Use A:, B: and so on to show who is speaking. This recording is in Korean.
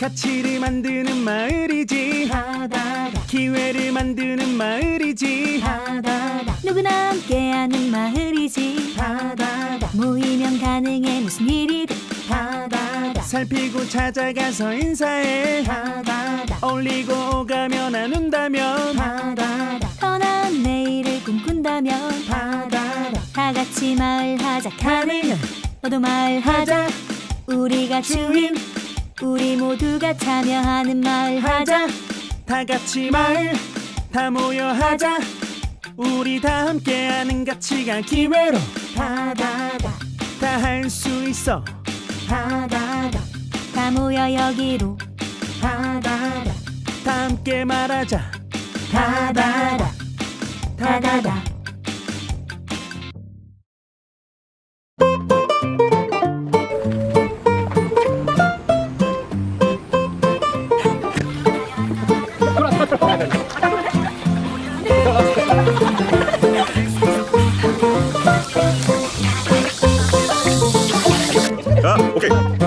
A: 가치를 만드는 마을이지. 기회를 만드는 마을이지.
B: 누구나 함께하는 마을이지. 모이면 가능해 무슨 일이든.
A: 살피고 찾아가서 인사해. 어울리고 오가며 나눈다면.
B: 더 나은 내일을 꿈꾼다면. 다 같이 마을하자. 가능한 너도 마을하자. 우리가 주인, 우리 모두가 참여하는 마을하자.
A: 다 같이 마을 다 모여 하자. 우리 다 함께하는 가치가 기회로 다 할 수 있어.
B: 다 모여 여기로.
A: 다 함께 말하자.
B: 다다다.
C: 아, 오케이.